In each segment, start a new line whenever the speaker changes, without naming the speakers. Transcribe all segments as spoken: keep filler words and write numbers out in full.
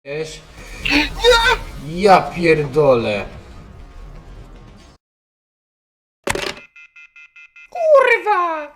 Wiesz? Ja pierdolę. Kurwa!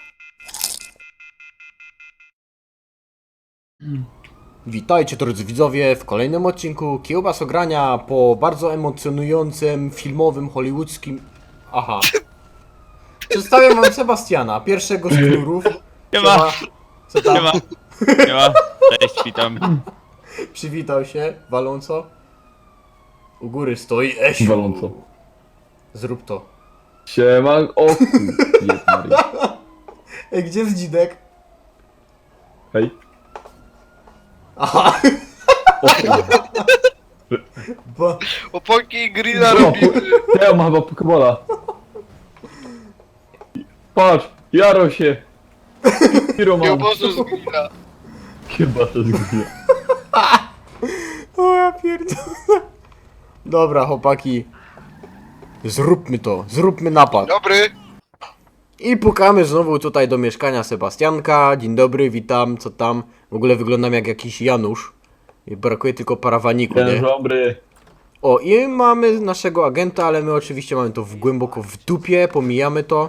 Witajcie drodzy widzowie w kolejnym odcinku Kiełbas Ogrania po bardzo emocjonującym, filmowym, hollywoodzkim... Aha. Przedstawiam wam Sebastiana, pierwszego z knurów.
Siema.
Co tam?
Siema. Siema. Cześć, witam.
Przywitał się, waląco. U góry stoi Esiu.
Waląco.
Zrób to.
Siema, o kur... Jest Maria.
Ej, gdzie jest dzidek?
Hej.
Aha.
O kur...
Bo...
Opaki grilla
O,
robimy.
ja mam chyba Pokebola. Patrz, jaro się. Hiro
Nie
mam.
obozu z grilla.
Chyba to zgubię.
O ja pierdolę. Dobra, chłopaki. Zróbmy to, zróbmy napad.
Dobry.
I pukamy znowu tutaj do mieszkania Sebastianka. Dzień dobry, witam, co tam? W ogóle wyglądam jak jakiś Janusz. I brakuje tylko parawaniku,
Dzień
nie?
dobry.
O, i mamy naszego agenta, ale my oczywiście mamy to w głęboko w dupie, pomijamy to.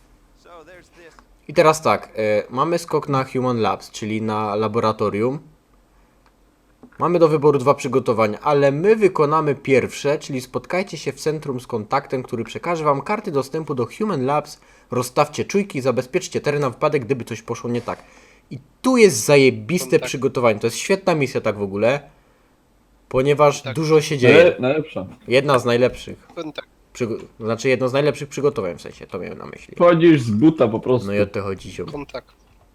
I teraz tak, e, mamy skok na Human Labs, czyli na laboratorium. Mamy do wyboru dwa przygotowania, ale my wykonamy pierwsze, czyli spotkajcie się w centrum z kontaktem, który przekaże wam karty dostępu do Human Labs, rozstawcie czujki, zabezpieczcie teren na wypadek, gdyby coś poszło nie tak. I tu jest zajebiste
Kontakt.
przygotowanie, to jest świetna misja tak w ogóle, ponieważ
Tak.
dużo się dzieje.
Naj, najlepsza.
Jedna z najlepszych,
Kontakt.
przygo- znaczy jedno z najlepszych przygotowań w sensie, to miałem na myśli.
Wchodzisz z buta po prostu.
No i o to chodzi ziom.
Kontakt.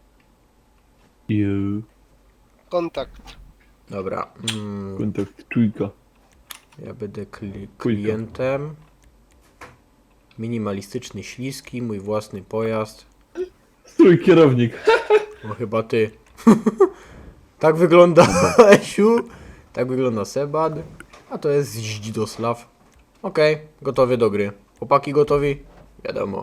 Ju.
Kontakt.
Dobra, mm,
Kontakt trójka.
ja będę kli-
Kujka.
klientem. Minimalistyczny, śliski, mój własny pojazd.
Strój kierownik.
No chyba ty. Tak wygląda Esiu. Tak wygląda Sebad. A to jest Zdzidosław. Okej, gotowy do gry. Chłopaki gotowi? Wiadomo.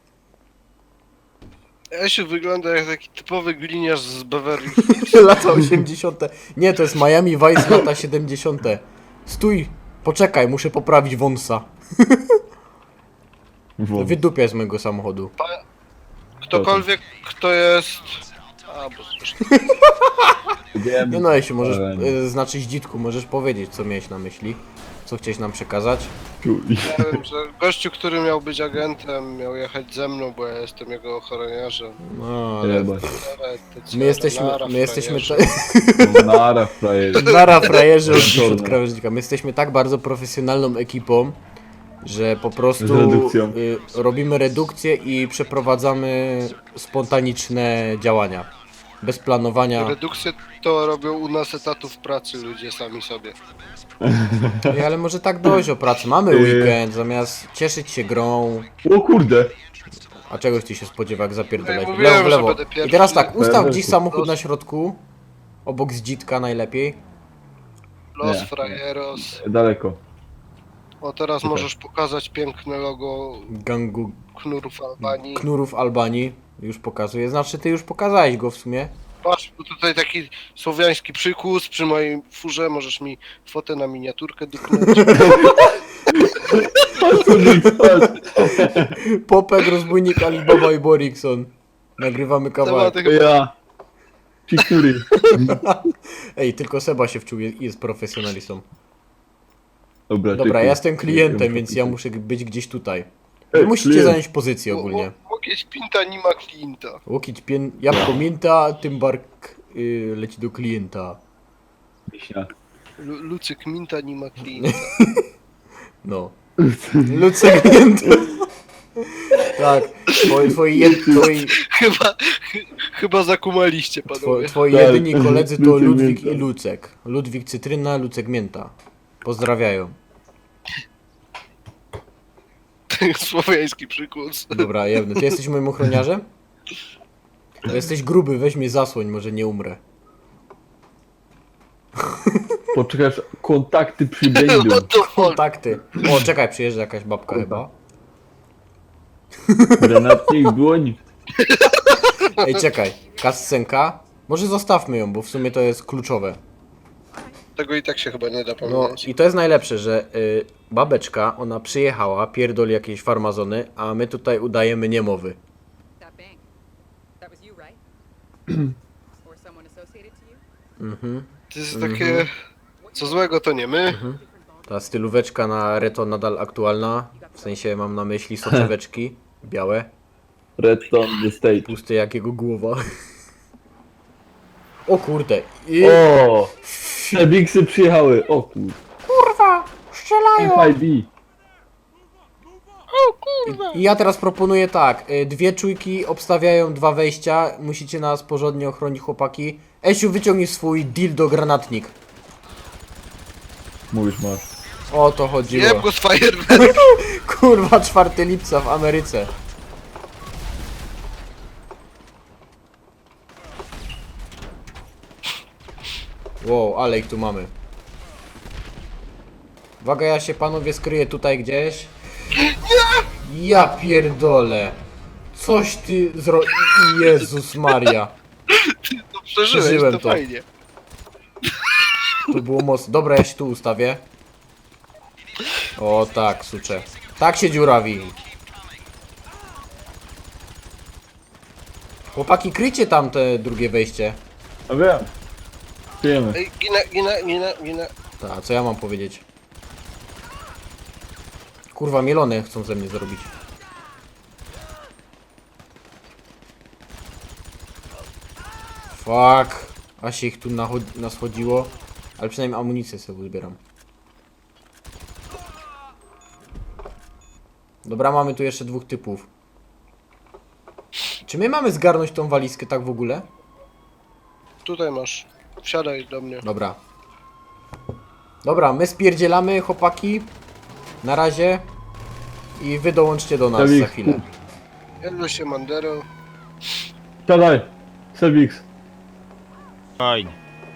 Esiu wygląda jak taki typowy gliniarz z Beverly.
Lata osiemdziesiąte. Nie, to jest Miami Vice lata siedemdziesiąte. Stój! Poczekaj, muszę poprawić wąsa.
Wąs.
Wydupię z mojego samochodu.
Ktokolwiek, kto jest... A, bo zresztą...
Wiem.
Nie no, Esiu, możesz,
Ale-
y, znaczy Zdzitku, możesz powiedzieć, co miałeś na myśli. Co chciałeś nam przekazać?
Czuj.
Ja wiem, że gościu, który miał być agentem, miał jechać ze mną, bo ja jestem jego ochroniarzem.
No, ale
Jebać.
Ale te co,
my jesteśmy,
nara,
my jesteśmy,
frajerze.
ta...
Nara frajer.
Nara frajerzy od dziś od
Czarne.
krawężnika. My jesteśmy tak bardzo profesjonalną ekipą, że po prostu
Z redukcją.
y, robimy redukcję i przeprowadzamy spontaniczne działania. Bez planowania.
Redukcję to robią u nas etatów pracy ludzie sami sobie.
Ej, ale może tak dojść o pracy. Mamy
Y.
weekend, zamiast cieszyć się grą.
O kurde.
A czegoś ty się spodziewa, jak zapierdolać?
No
W
i
lewo, w
mówiłem, że
lewo.
będę
I
pierwszy.
teraz tak, ustaw
Będę
gdzieś
tu.
samochód na środku. Obok Zdzitka najlepiej.
Los
Nie.
frajeros.
Daleko.
O, teraz
Super.
możesz pokazać piękne logo
Gangu
knurów Albanii.
Knurów Albanii. Już pokazuję. Znaczy ty już pokazałeś go w sumie.
Patrz, tu tutaj taki słowiański przykus przy mojej furze, możesz mi fotę na miniaturkę dupnąć.
Popek, rozbójnik, Alibaba i Borikson. Nagrywamy kawałek.
Temat chyba
Ja. Cikuri.
Ej, tylko Seba się wczuł, jest, jest profesjonalistą.
Dobra,
Dobra,
czekaj.
ja jestem klientem,
Ja
więc
muszę
ja
pisać.
muszę być gdzieś tutaj. Wy
Ej,
musicie
klient.
zająć pozycję ogólnie.
Łokieć pinta nie ma klienta.
Łokieć, pien, jabłko, mięta, tym bark y, leci do klienta.
Wiśnia.
Lu- Lucyk minta nie ma klienta.
No. Luce klienta. Tak, twoi, twoi, jed, twoi,
Chyba, chy- chyba zakumaliście
two,
panowie.
twoi
Tak.
jedyni koledzy to
Lucek
Ludwik
mięta.
i Lucek. Ludwik cytryna, Lucek mięta. Pozdrawiają.
Słowiański przykus.
Dobra, jebny. Ty jesteś moim ochroniarzem? To jesteś gruby, weź mnie zasłoń, może nie umrę.
Poczekasz, kontakty przybędą.
What the fuck?
Kontakty. O, czekaj, przyjeżdża jakaś babka chyba.
Granatnik, dłoń.
Ej, czekaj. Kascenka? Może zostawmy ją, bo w sumie to jest kluczowe.
Tego i tak się chyba nie da
No
pamiętać.
i to jest najlepsze, że y, babeczka, ona przyjechała, pierdoli jakieś farmazony, a my tutaj udajemy niemowy.
That bank. That was you, right? Or someone associated to you?
Mhm.
To jest takie... Co złego to nie my.
Ta stylóweczka na reto nadal aktualna, w sensie mam na myśli soczeweczki, białe,
Redstone the stage.
puste jak jego głowa. O kurde, i...
O! Te bigsy przyjechały, o kur...
Kurwa, strzelają!
F I B.
I ja teraz proponuję tak, y, dwie czujki obstawiają dwa wejścia, musicie nas porządnie ochronić chłopaki. Esiu, wyciągnij swój dildo granatnik.
Mówisz, masz.
O to chodziło.
Jeb go z fajerwerk.
Kurwa, czwartego lipca w Ameryce. Wow, ale ich tu mamy. Uwaga, ja się panowie skryję tutaj gdzieś. Ja pierdolę. Coś ty zro... Jezus Maria.
No przeżyłeś,
Przeżyłem
to
to.
fajnie.
To było mocno. Dobra, ja się tu ustawię. O tak, sucze. Tak się dziurawi. Chłopaki, kryjcie tam te drugie wejście.
A wiem. Przyjemy.
Ej, ginę, ginę, ginę, ginę.
Tak, co ja mam powiedzieć? Kurwa, mielone chcą ze mnie zrobić. Fuck. A się ich tu nachod- naschodziło. Ale przynajmniej amunicję sobie uzbieram. Dobra, mamy tu jeszcze dwóch typów. Czy my mamy zgarnąć tą walizkę tak w ogóle?
Tutaj masz. Wsiadaj do mnie.
Dobra. Dobra, my spierdzielamy, chłopaki. Na razie. I wy dołączcie do nas
Dawid,
za chwilę.
Jedno się Mandero.
Siadaj. Sebix.
Fajnie.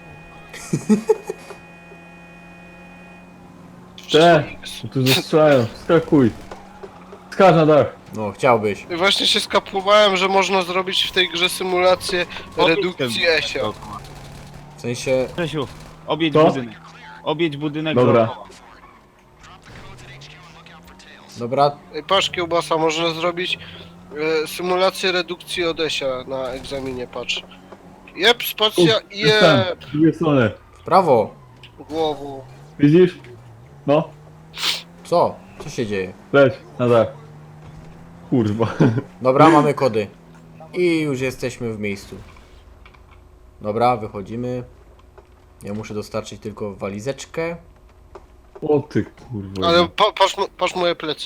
Te. Tu zastrzelają. Skakuj. Skacz na dach.
No, chciałbyś.
I właśnie się skapłowałem, że można zrobić w tej grze symulację
Obieg
redukcji
ten.
Esio.
W sensie...
Czesiu, objedź
Co?
budynek. Objedź budynek
Dobra.
dookoła.
Dobra,
Ej, patrz kiełbasa, można zrobić e, symulację redukcji Odesia na egzaminie, patrz. Jeb, spacja, jeb,
Z drugiej strony.
w prawo.
głową.
Widzisz? No.
Co? Co się dzieje?
Leć na dach. Kurwa.
Dobra, mamy kody. I już jesteśmy w miejscu. Dobra, wychodzimy. Ja muszę dostarczyć tylko walizeczkę.
O ty kurwa.
Ale pa, patrz, mo- patrz moje plecy.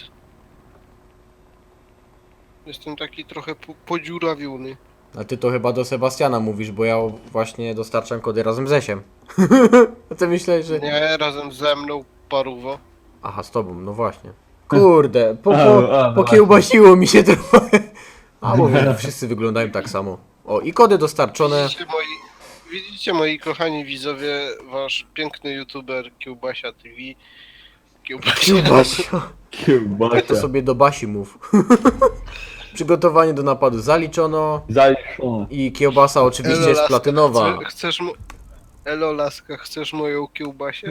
Jestem taki trochę po, podziurawiony.
A ty to chyba do Sebastiana mówisz, bo ja właśnie dostarczam kody razem z Esiem. A ty myślałeś, że...
Nie, razem ze mną, paruwo.
Aha, z tobą, no właśnie. Kurde, po, po,
A, a, no
pokiełbasiło mi się trochę. A mówię, wszyscy wyglądają tak samo. O, i kody dostarczone.
Widzicie moi, widzicie moi kochani widzowie, wasz piękny youtuber Kiełbasia T V. Kiełbasia.
Kiełbasia.
Kiełbasia.
To sobie do Basi mów. Przygotowanie do napadu zaliczono.
Zaliczone.
I kiełbasa oczywiście
Elo,
jest
laska,
platynowa.
Chce, chcesz mo- Elo laska, chcesz moją kiełbasię?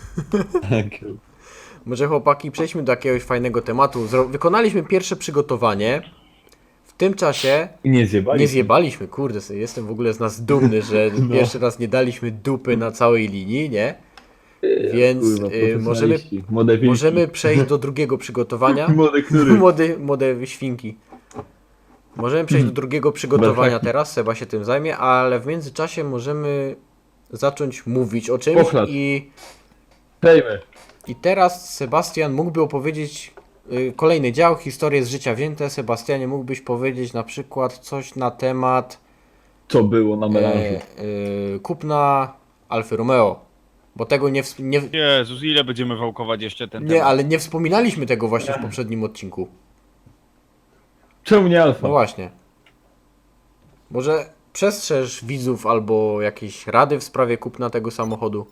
Może chłopaki, przejdźmy do jakiegoś fajnego tematu. Zro wykonaliśmy pierwsze przygotowanie. W tym czasie
I nie zjebali.
nie zjebaliśmy, kurde, sobie jestem w ogóle z nas dumny, że
No.
pierwszy raz nie daliśmy dupy na całej linii, nie? Więc
Kurwa,
y, możemy,
profesjonaliści. Młode wilki.
możemy przejść do drugiego przygotowania.
Młode knury.
Młody, młode świnki. Możemy przejść do drugiego przygotowania
Belfaki.
teraz, Seba się tym zajmie, ale w międzyczasie możemy zacząć mówić o czymś
Pochlad.
i,
Prejmy.
i teraz Sebastian mógłby opowiedzieć y, kolejny dział, historię z życia wzięte. Sebastianie, mógłbyś powiedzieć na przykład coś na temat
Co było na melanżu?
e, y, kupna Alfy Romeo, bo tego nie, wsp- nie,
Jezus, ile będziemy wałkować jeszcze ten
nie,
temat?
ale nie wspominaliśmy tego właśnie w poprzednim odcinku.
Czemu nie alfa?
No właśnie. Może przestrzeż widzów albo jakieś rady w sprawie kupna tego samochodu?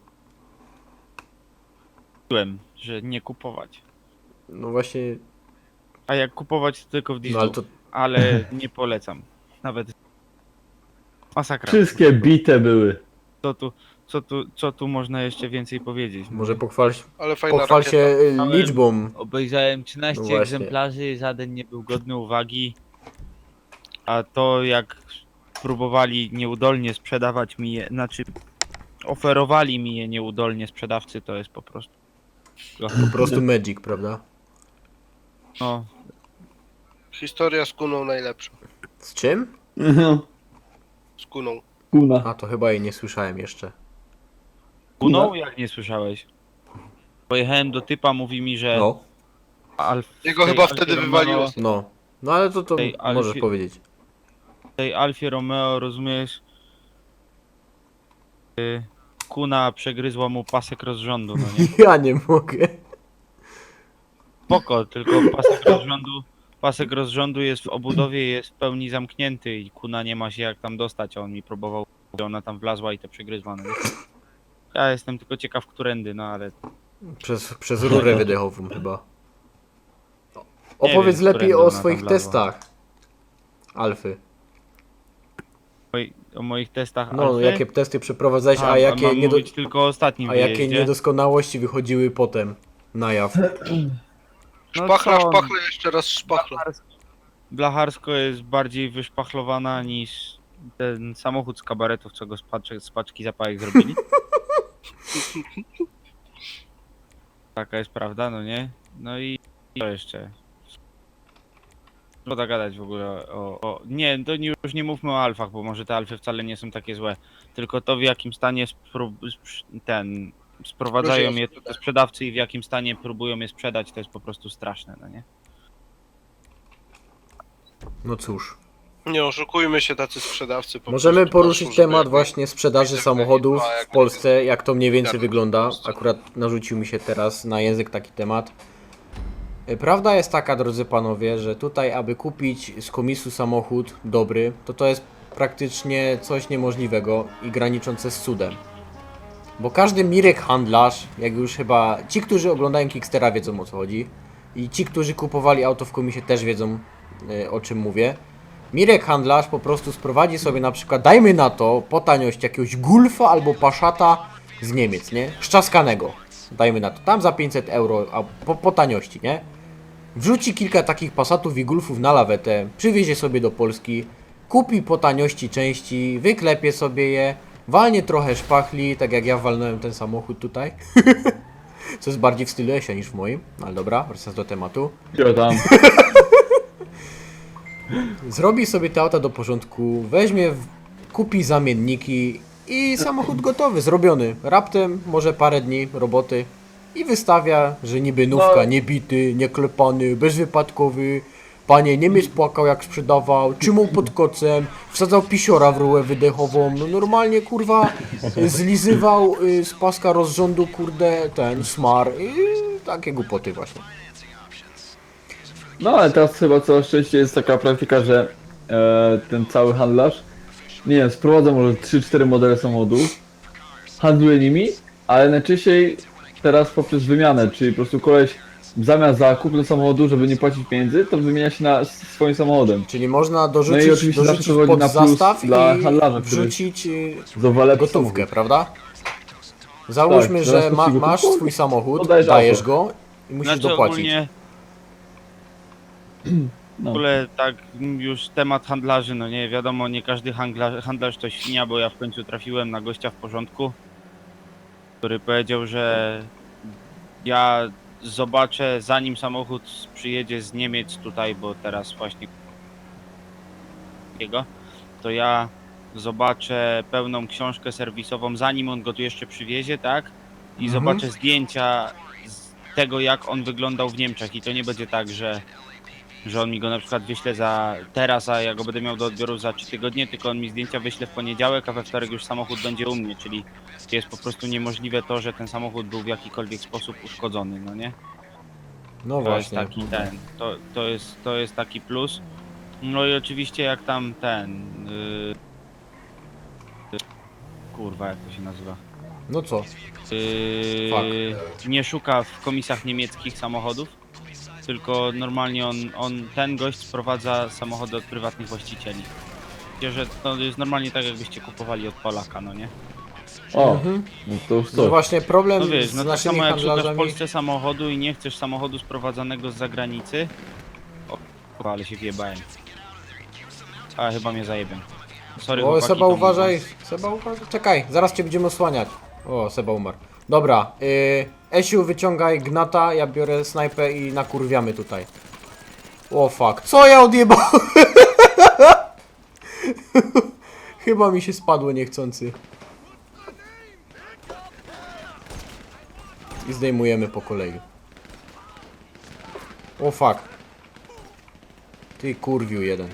Mówiłem, że nie kupować.
No właśnie,
A jak kupować, to tylko w
no
dieslu.
ale to
Ale nie polecam. Nawet masakra.
Wszystkie bite były.
Co tu, co tu, co tu można jeszcze więcej powiedzieć? no
Może
nie?
pochwal,
Ale fajna
pochwal
rakieta.
się y,
Ale-
liczbą.
Obejrzałem trzynaście
No właśnie.
egzemplarzy, żaden nie był godny uwagi. A to jak próbowali nieudolnie sprzedawać mi je, znaczy oferowali mi je nieudolnie sprzedawcy, to jest po prostu.
Po prostu Magic, prawda?
No,
Historia z kuną najlepsza.
Z czym?
No,
Z kuną.
kuna.
A to chyba jej nie słyszałem jeszcze.
Kuną? Jak nie słyszałeś? Pojechałem do typa, mówi mi, że
No,
Alf,
Jego
tej
chyba
Alfie
wtedy
Romeo-
wywaliło.
no. No ale to, to
Ej, ale
możesz
fi-
powiedzieć.
tej Alfie Romeo, rozumiesz? Y, Kuna przegryzła mu pasek rozrządu, no nie?
Ja nie mogę.
Spoko, tylko pasek rozrządu, pasek rozrządu jest w obudowie, jest w pełni zamknięty i kuna nie ma się jak tam dostać, a on mi próbował, ona tam wlazła i to przegryzła, no nie? Ja jestem tylko ciekaw, którędy, no ale
Przez, przez rurę wydechową chyba.
Nie
Opowiedz
wiem,
lepiej
którędy
o
ona
swoich
tam wlazła.
testach. Alfy.
moi, o moich testach
No,
Alfy?
jakie testy przeprowadzałeś, a,
a
jakie,
mam
niedo...
mówić tylko o ostatnim
a jakie
wyjeździe?
niedoskonałości wychodziły potem na jaw.
No
Szpachla,
co?
szpachla, jeszcze raz szpachla.
Blacharsko jest bardziej wyszpachlowana niż ten samochód z kabaretów, co go z, paczek, z paczki zapałek zrobili. Taka jest prawda, no nie? No i i co jeszcze? Szkoda gadać w ogóle o, o... Nie, to nie, już nie mówmy o alfach, bo może te alfy wcale nie są takie złe. Tylko to, w jakim stanie spró- sprz- ten... sprowadzają je do sprzedawcy i w jakim stanie próbują je sprzedać, to jest po prostu straszne, no nie?
No cóż.
Nie oszukujmy się, tacy sprzedawcy. po
Możemy
prostu
poruszyć
patrzą, żeby
temat
jakby-
właśnie sprzedaży
widzę,
samochodów
a jak
w Polsce, jak to mniej więcej
jak
wygląda.
po prostu.
Akurat narzucił mi się teraz na język taki temat. E, Prawda jest taka, drodzy panowie, że tutaj, aby kupić z komisu samochód dobry, to to jest praktycznie coś niemożliwego i graniczące z cudem. Bo każdy Mirek handlarz, jak już chyba ci, którzy oglądają Kickstera, wiedzą o co chodzi. I ci, którzy kupowali auto w komisie, też wiedzą e, o czym mówię. Mirek handlarz po prostu sprowadzi sobie na przykład, dajmy na to, po taniość jakiegoś Gulfa albo Passata z Niemiec, nie? Szczaskanego. Dajmy na to, tam za pięćset euro, a po, po taniości, nie? Wrzuci kilka takich Passatów i Gulfów na lawetę, przywiezie sobie do Polski, kupi po taniości części, wyklepie sobie je, walnie trochę szpachli, tak jak ja walnąłem ten samochód tutaj. Co jest bardziej w stylu Esia niż w moim, ale dobra, wracając do tematu.
Gdzie tam?
Zrobi sobie te auta do porządku, weźmie, w- kupi zamienniki i samochód gotowy, zrobiony. Raptem może parę dni roboty i wystawia, że niby nówka,
No.
niebity, nieklepany, bezwypadkowy. Panie Niemiec płakał jak sprzedawał, trzymał pod kocem, wsadzał pisiora w rurę wydechową, no normalnie kurwa zlizywał y, z paska rozrządu kurde ten smar i takie głupoty właśnie.
No ale teraz chyba coraz częściej jest taka praktyka, że e, ten cały handlarz, nie wiem, sprowadza może trzy cztery modele samochodów, handluje nimi, ale najczęściej teraz poprzez wymianę, czyli po prostu koleś zamiast za kupno samochodu, żeby nie płacić pieniędzy, to wymienia się na s- swoim samochodem.
Czyli można
No
dorzucić,
i oczywiście
dorzucić
zawsze wychodzi
pod
na plus
zastaw
dla
i
handlarza, który
wrzucić y,
Zawale
gotówkę, prawda? Załóżmy,
Tak,
że
zaraz
ma,
kupi
masz
gotówkę,
swój samochód,
oddajesz
dajesz
auto.
go i musisz
Znaczy
dopłacić.
ogólnie w
No.
ogóle tak już temat handlarzy, no nie wiadomo, nie każdy handlarz, handlarz to świnia, bo ja w końcu trafiłem na gościa w porządku, który powiedział, że ja zobaczę zanim samochód przyjedzie z Niemiec tutaj, bo teraz właśnie jego, to ja zobaczę pełną książkę serwisową zanim on go tu jeszcze przywiezie, tak? I
Mhm.
zobaczę zdjęcia z tego jak on wyglądał w Niemczech i to nie będzie tak, że że on mi go na przykład wyśle za teraz, a ja go będę miał do odbioru za trzy tygodnie, tylko on mi zdjęcia wyśle w poniedziałek, a we wtorek już samochód będzie u mnie, czyli jest po prostu niemożliwe to, że ten samochód był w jakikolwiek sposób uszkodzony, no nie?
No
To jest
właśnie.
taki ten, to, to, jest, to jest taki plus. No i oczywiście jak tam ten... Yy, kurwa, jak to się nazywa?
No co?
Yy, nie szuka w komisjach niemieckich samochodów, tylko normalnie on, on, ten gość sprowadza samochody od prywatnych właścicieli. Wiecie, że to jest normalnie tak jakbyście kupowali od Polaka, no nie?
O,
Mhm.
no to już
No
coś.
właśnie problem
No wiesz,
z
no tak
naszymi
samo jak szukasz w
handlarzami...
Polsce samochodu i nie chcesz samochodu sprowadzanego z zagranicy. O, kurwa, ale się wjebałem. A, chyba mnie zajebią. Sorry,
O,
chłopaki,
Seba
to mój
uważaj,
błąd.
Seba uważaj, czekaj, zaraz cię będziemy osłaniać. O, Seba umarł. Dobra, yy, Esiu wyciągaj gnata, ja biorę snajpę i nakurwiamy tutaj. O fuck, co ja odjebałem? Chyba mi się spadło niechcący. I zdejmujemy po kolei. O fuck. Ty kurwiu jeden.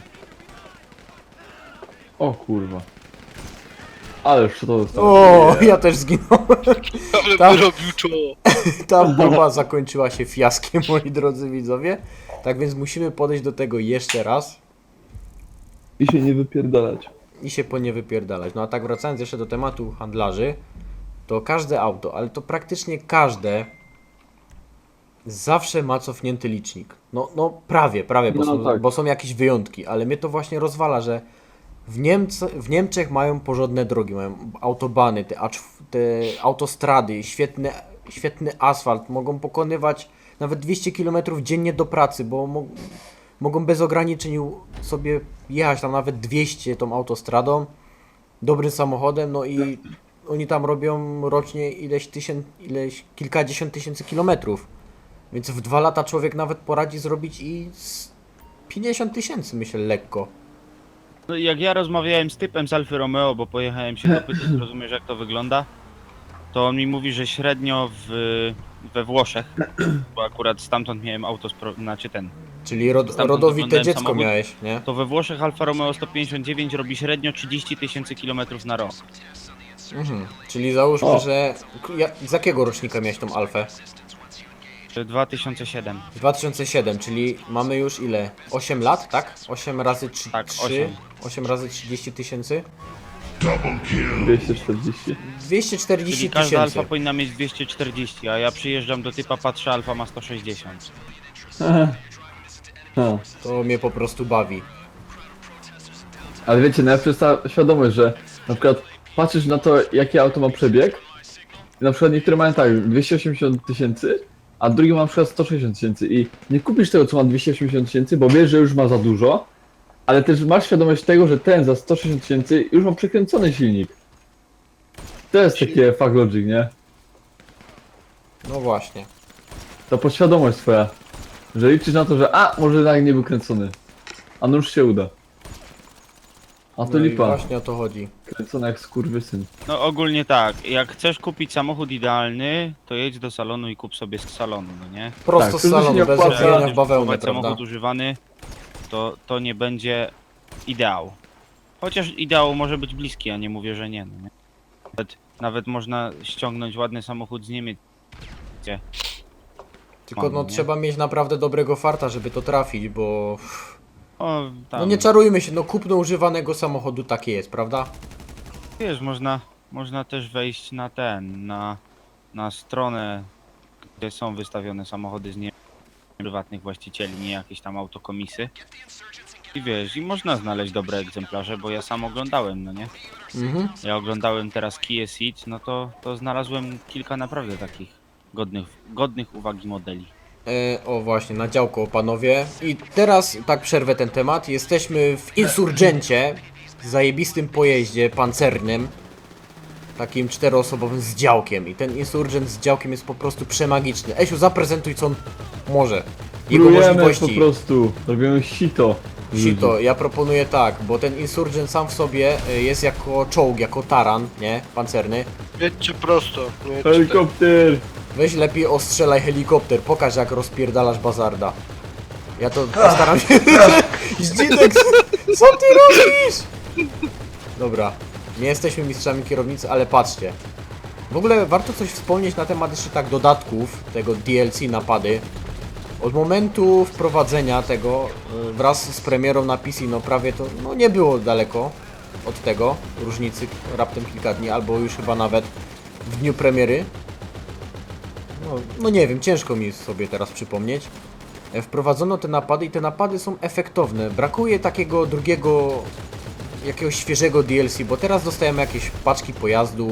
O kurwa. Ale co to zostało?
O, ja też zginąłem.
Ale
Tam-
by robił czoło.
Ta próba zakończyła się fiaskiem, moi drodzy widzowie. Tak więc musimy podejść do tego jeszcze raz
I się nie wypierdalać.
i się po nie wypierdalać. No a tak wracając jeszcze do tematu handlarzy, to każde auto, ale to praktycznie każde zawsze ma cofnięty licznik. No, no prawie, prawie, bo,
No
są,
tak.
bo są jakieś wyjątki, ale mnie to właśnie rozwala, że w, Niemce, w Niemczech mają porządne drogi, mają autobany, te, A cztery te autostrady, świetny, świetny asfalt, mogą pokonywać nawet dwieście kilometrów dziennie do pracy, bo mo mogą bez ograniczeń u- sobie jechać tam nawet dwieście tą autostradą, dobrym samochodem, no i oni tam robią rocznie ileś tysięcy, ileś kilkadziesiąt tysięcy kilometrów. Więc w dwa lata człowiek nawet poradzi zrobić i z pięćdziesiąt tysięcy, myślę, lekko.
No i jak ja rozmawiałem z typem z Alfy Romeo, bo pojechałem się dopytać, rozumiesz jak to wygląda, to on mi mówi, że średnio w, we Włoszech, bo akurat stamtąd miałem auto, spro- znaczy ten,
Czyli rod,
Stamtąd
rodowite
oglądałem
dziecko
samochód.
miałeś, nie?
to we Włoszech Alfa Romeo sto pięćdziesiąt dziewięć robi średnio trzydzieści tysięcy kilometrów na rok.
Mhm. Czyli załóżmy,
O.
że... Ja, z jakiego rocznika miałeś tą Alfę?
dwa tysiące siedem.
dwa tysiące siedem, czyli mamy już ile? osiem lat, tak? osiem razy trzy,
Tak,
trzy,
osiem.
osiem razy trzydzieści tysięcy?
dwieście czterdzieści.
dwieście
Czyli
czterdzieści
każda
tysięcy.
Alfa powinna mieć dwieście czterdzieści, a ja przyjeżdżam do typa, patrzę, Alfa ma sto sześćdziesiąt.
No.
To mnie po prostu bawi.
Ale wiecie, no ja przez ta świadomość, że na przykład patrzysz na to, jaki auto ma przebieg i na przykład niektóre mają tak dwieście osiemdziesiąt tysięcy, a drugi ma na przykład sto sześćdziesiąt tysięcy i nie kupisz tego, co ma dwieście osiemdziesiąt tysięcy, bo wiesz, że już ma za dużo, ale też masz świadomość tego, że ten za sto sześćdziesiąt tysięcy już ma przekręcony silnik. To jest takie fuck logic, nie?
No właśnie.
To podświadomość twoja, że liczysz na to, że a, może jednak nie był kręcony, a no już się uda. A to
No i
lipa,
właśnie o to chodzi.
kręcony jak skurwysyn.
No ogólnie tak, jak chcesz kupić samochód idealny, to jedź do salonu i kup sobie z salonu, no nie?
Prosto
Tak,
z
to się
salonu,
nie
bez
opłaca.
odbijania w
Jak
bawełnę,
kupować
prawda?
samochód używany, to, to nie będzie ideał. Chociaż ideał może być bliski, a nie mówię, że nie. No nie? Nawet, nawet można ściągnąć ładny samochód z Niemiec.
Tylko no
Mamy, nie?
trzeba mieć naprawdę dobrego farta, żeby to trafić, bo...
O, tam,
No nie czarujmy się, no kupno używanego samochodu takie jest, prawda?
wiesz, można, można też wejść na ten, na, na stronę, gdzie są wystawione samochody z nie prywatnych właścicieli, nie jakieś tam autokomisy. I wiesz, i można znaleźć dobre egzemplarze, bo ja sam oglądałem, no nie?
Mhm.
Ja oglądałem teraz Kia Ceed, no to, to znalazłem kilka naprawdę takich godnych, godnych uwagi modeli.
E, o właśnie, na działko panowie. I teraz tak przerwę ten temat. Jesteśmy w Insurgencie, zajebistym pojeździe pancernym. Takim czteroosobowym z działkiem. I ten Insurgent z działkiem jest po prostu przemagiczny. Esiu, zaprezentuj co on może. Jego
Plujemy po
możliwości.
prostu, robimy sito.
Sito, ja proponuję tak, bo ten Insurgent sam w sobie y, jest jako czołg, jako taran, nie? Pancerny.
Jedźcie prosto. Nie jedźcie
Helikopter!
Weź lepiej ostrzelaj helikopter, pokaż jak rozpierdalasz bazarda. Ja to postaram się... Zdzinek, co ty robisz? Dobra, nie jesteśmy mistrzami kierownicy, ale patrzcie. W ogóle warto coś wspomnieć na temat jeszcze tak dodatków tego D L C napady. Od momentu wprowadzenia tego y, wraz z premierą na P C, no prawie to no nie było daleko od tego, różnicy raptem kilka dni, albo już chyba nawet w dniu premiery. No, no nie wiem, ciężko mi sobie teraz przypomnieć. E, Wprowadzono te napady i te napady są efektowne. Brakuje takiego drugiego, jakiegoś świeżego D L C, bo teraz dostajemy jakieś paczki pojazdów,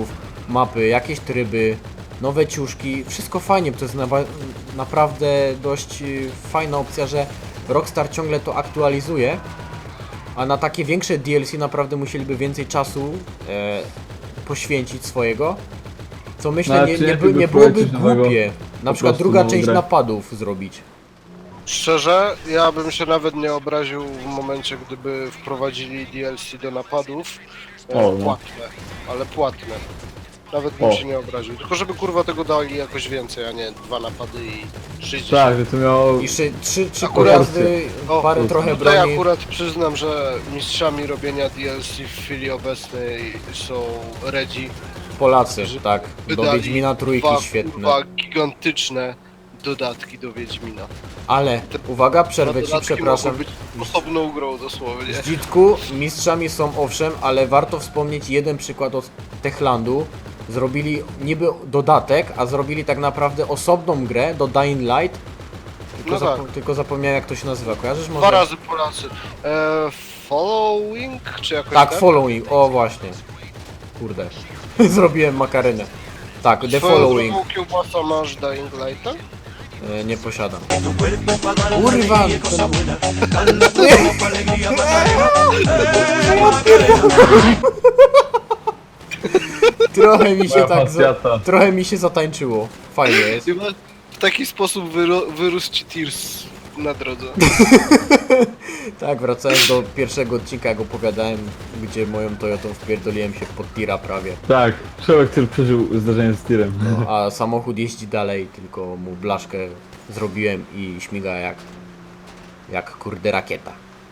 mapy, jakieś tryby, nowe ciuszki, wszystko fajnie, bo to jest na, naprawdę dość y, fajna opcja, że Rockstar ciągle to aktualizuje, a na takie większe D L C naprawdę musieliby więcej czasu e, poświęcić swojego, co myślę
No,
nie,
czy
nie,
jak
by,
by
nie byłoby
wprowadzić nowego,
głupie. Na
po
przykład
prostu
druga
nową
część
grę?
napadów zrobić.
Szczerze, ja bym się nawet nie obraził w momencie, gdyby wprowadzili D L C do napadów. E,
O, no.
Płatne, ale płatne. Nawet bym
O.
się nie obraził. Tylko żeby kurwa tego dali jakoś więcej, a nie dwa napady i sześćdziesiąt.
Tak, że to miało...
I szy, trzy, trzy
Akurat-
pojazdy,
O,
parę
no
trochę
Tutaj
broni.
akurat przyznam, że mistrzami robienia D L C w chwili obecnej są Redzi.
Polacy,
że
tak. Do
wydali
Wiedźmina trójki
Dwa
świetne.
kurwa gigantyczne dodatki do Wiedźmina.
Ale, uwaga,
Te
przerwę ci,
dodatki
przepraszam.
mogą być osobną grą dosłownie.
Zdzitku, mistrzami są owszem, ale warto wspomnieć jeden przykład od Techlandu. Zrobili niby dodatek, a zrobili tak naprawdę osobną grę do Dying Light. Tylko,
No tak.
zapo- tylko zapomniałem jak to się nazywa, kojarzysz może?
Dwa razy Polacy. E, following? Czy jakoś
Tak,
tak?
Following, o właśnie. Kurde, zrobiłem makarenę. Tak, The
Swoją
Following,
drogą kiełbasa masz Dying Lighta?
e, nie posiadam. Kurwa! Trochę mi się
Moja
tak, za,
pasjata.
trochę mi się zatańczyło. Fajnie jest.
Chyba w taki sposób wyro- wyrósł ci Tears na drodze.
Tak, wracając do pierwszego odcinka, jak opowiadałem, gdzie moją Toyotą wpierdoliłem się pod tira prawie.
Tak, człowiek, który przeżył zdarzenie z tirem.
No, a samochód jeździ dalej, tylko mu blaszkę zrobiłem i śmiga jak, jak kurde rakieta.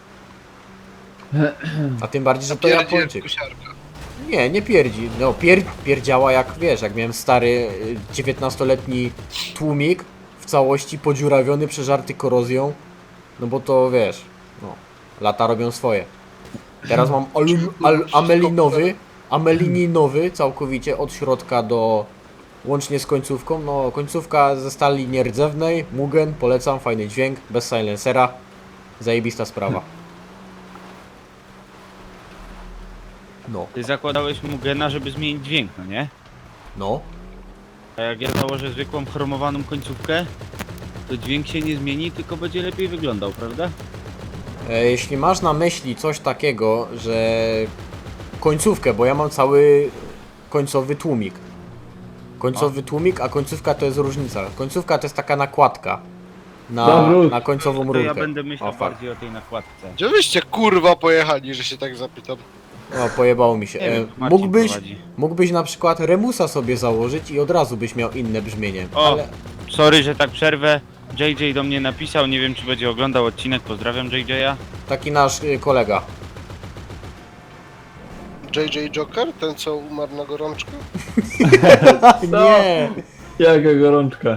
A tym bardziej, że to
Pierdzie
Japończyk.
kusiarka.
Nie, nie pierdzi. No pier, pierdziała jak wiesz, jak miałem stary y, dziewiętnastoletni tłumik w całości podziurawiony, przeżarty korozją. No bo to wiesz, no, lata robią swoje. Teraz mam alum, al, amelinowy, amelininowy całkowicie od środka do łącznie z końcówką. No końcówka ze stali nierdzewnej, Mugen, polecam, fajny dźwięk, bez silencera. Zajebista sprawa. No,
Ty zakładałeś mu gena, żeby zmienić dźwięk, no nie?
no.
A jak ja założę zwykłą chromowaną końcówkę, to dźwięk się nie zmieni, tylko będzie lepiej wyglądał, prawda?
E, Jeśli masz na myśli coś takiego, że końcówkę, bo ja mam cały końcowy tłumik. Końcowy tłumik, a końcówka to jest różnica. Końcówka to jest taka nakładka na,
Dobra.
na końcową
To
rurkę.
ja będę myślał
O, fuck.
bardziej o tej nakładce.
Gdzie wyście kurwa pojechali, że się tak zapytam?
O, pojebało mi się.
Nie
E,
wiem, Marcin
mógłbyś,
prowadzi.
mógłbyś na przykład Remusa sobie założyć i od razu byś miał inne brzmienie.
O.
Ale
Sorry, że tak przerwę. J J do mnie napisał, nie wiem czy będzie oglądał odcinek, pozdrawiam J J-a.
taki nasz y, kolega.
J J Joker? Ten co umarł na gorączkę?
Nie!
Jaka gorączka.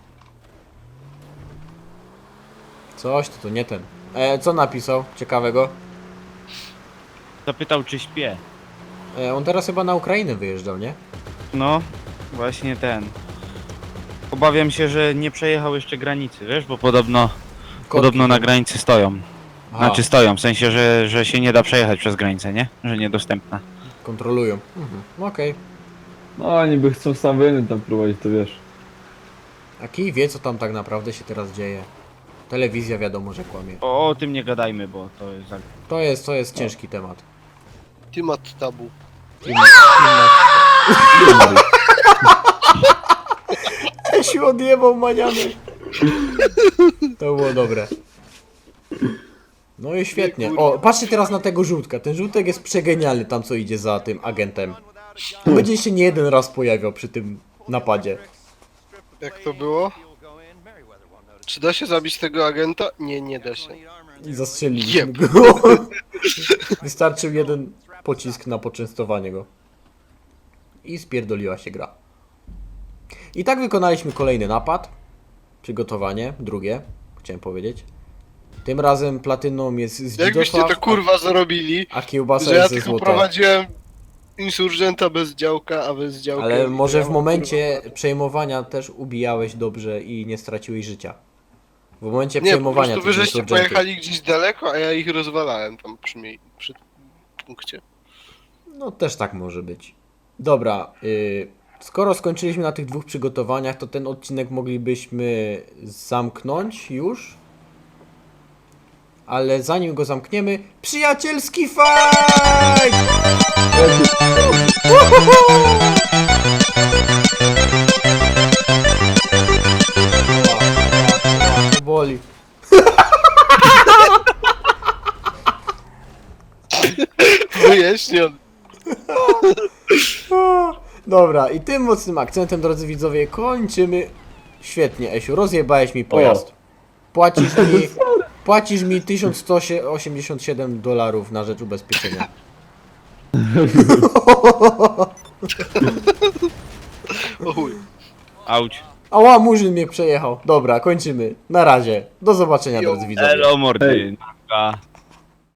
Coś, to, to nie ten. E, co napisał ciekawego?
Zapytał czy śpię.
E, on teraz chyba na Ukrainę wyjeżdżał, nie?
No, właśnie ten. Obawiam się, że nie przejechał jeszcze granicy, wiesz, bo podobno, podobno na granicy stoją.
Aha,
Znaczy stoją, w sensie, że, że się nie da przejechać przez granicę, nie? Że niedostępna.
kontrolują. Mhm. Okej.
No oni by chcą sam wojny tam prowadzić, to wiesz.
A kij wie, co tam tak naprawdę się teraz dzieje. Telewizja wiadomo, że kłamie.
O, o tym nie gadajmy, bo to jest... za-
To jest, to jest ciężki temat.
Timat Tabu.
się odjebał maniany. To było dobre. No i świetnie. O, patrzcie teraz na tego żółtka. Ten żółtek jest przegenialny tam, co idzie za tym agentem. To będzie się nie jeden raz pojawiał przy tym napadzie.
Jak to było? Czy da się zabić tego agenta? Nie, nie da się.
I zastrzeliliśmy
Jeb.
go. Wystarczył jeden pocisk na poczęstowanie go. I spierdoliła się gra. I tak wykonaliśmy kolejny napad. Przygotowanie, drugie, chciałem powiedzieć. Tym razem platyną jest z
Jakbyście
Dzidosław,
to kurwa zrobili,
a, a kiełbasa
że ja
jest ze
tylko
złota.
prowadziłem insurgenta bez działka, a bez działka...
Ale może w
ja mam,
momencie
kurwa,
przejmowania też ubijałeś dobrze i nie straciłeś życia. W momencie
Nie, po
przejmowania
prostu wy
tych
żeście
insurgentów.
pojechali gdzieś daleko, a ja ich rozwalałem tam przy, mie- przy punkcie.
No też tak może być. Dobra, y, skoro skończyliśmy na tych dwóch przygotowaniach, to ten odcinek moglibyśmy zamknąć już. Ale zanim go zamkniemy, przyjacielski fight! To boli.
Wyjaśniony.
Dobra, i tym mocnym akcentem, drodzy widzowie, kończymy. Świetnie, Esiu, rozjebałeś mi pojazd. Płacisz mi, płacisz mi tysiąc sto osiemdziesiąt siedem dolarów na rzecz ubezpieczenia.
O chuj.
Auć.
Ała, murzyn mnie przejechał. Dobra, kończymy. Na razie. Do zobaczenia,
Jo.
drodzy widzowie.
Elo mordy.
Hej.
Naka.